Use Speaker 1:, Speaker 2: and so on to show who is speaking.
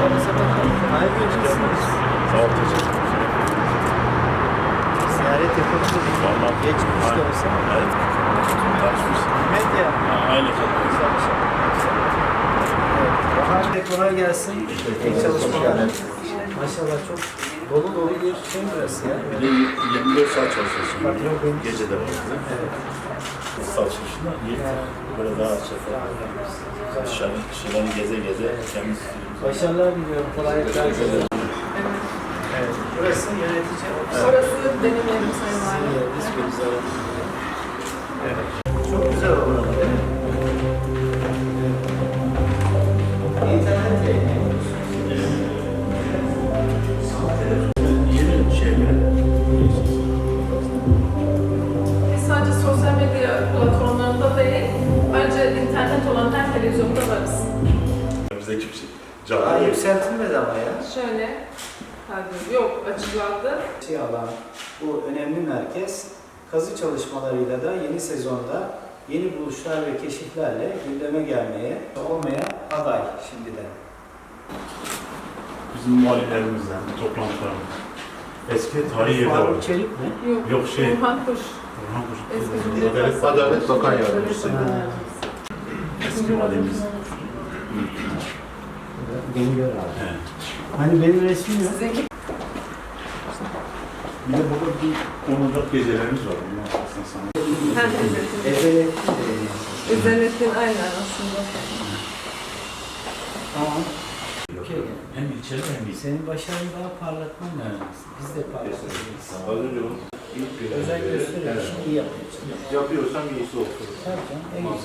Speaker 1: Merhaba sabah. Hayırlı olsun.
Speaker 2: Sağ ol, teşekkür ederim.
Speaker 1: Ziyaret yapalım dedik.
Speaker 2: Vallahi.
Speaker 1: Geçmiş de olsa.
Speaker 2: Evet. Tanışmış.
Speaker 1: Medya.
Speaker 2: Aynı şey.
Speaker 1: Bahar Bey kolay gelsin. İyi çalışmalar. Maşallah çok dolu dolu bir şey burası ya.
Speaker 2: Bir de 24 saat çalışıyorsun.
Speaker 1: Patron benim.
Speaker 2: Gece de var.
Speaker 1: Evet.
Speaker 2: Saat çalışışında böyle daha şeffaf. Dışarıdan geze geze temiz.
Speaker 1: Başarılar diliyorum. Kolaylıklar diliyorum. Evet. Burası yönetici ofis.
Speaker 3: Orası benim yerim Sayın Valim.
Speaker 1: Yeriniz çok güzel. Evet. Çok güzel oldu değil mi? İnternet yayınlıyoruz.
Speaker 2: Yeni şey mi?
Speaker 3: Biz sadece sosyal medya platformlarında değil, bence internet olan her televizyonda varız.
Speaker 2: Bizdeki bir şey.
Speaker 1: Daha
Speaker 2: Canlı.
Speaker 1: yükseltilmedi ama ya.
Speaker 3: Şöyle, hadi yok açıklandı.
Speaker 1: Şey alan bu önemli merkez kazı çalışmalarıyla da yeni sezonda yeni buluşlar ve keşiflerle gündeme gelmeye olmaya aday şimdiden.
Speaker 2: Bizim muhaliflerimizden, toplantılarımız. Eski tarihi yerde var.
Speaker 1: Faruk Çelik mi?
Speaker 3: Yok,
Speaker 2: Yok, şey.
Speaker 3: Orhan Kuş.
Speaker 2: Orhan Kuş.
Speaker 3: Eski
Speaker 2: Adalet
Speaker 4: Bakan Yardımcısı.
Speaker 2: Eski valimiz.
Speaker 1: Beni gör abi.
Speaker 2: Evet.
Speaker 1: Hani benim resmim yok.
Speaker 3: Sizinki
Speaker 2: Bir de burada bir konuda gecelerimiz var. Bunlar aslında sana.
Speaker 3: hem İzzet'in.
Speaker 1: Evet.
Speaker 3: İzzet'in aynen aslında.
Speaker 1: Tamam. Okey.
Speaker 2: Hem ilçeli hem ilçeli.
Speaker 1: Senin başarını daha parlatman lazım. Biz de parlatıyoruz.
Speaker 4: Az önce onu ilk bir
Speaker 1: Özen gösteriyorsun, iyi yapıyorsun.
Speaker 4: yapıyorsam iyisi olsun.
Speaker 1: Tabii canım. En güzel.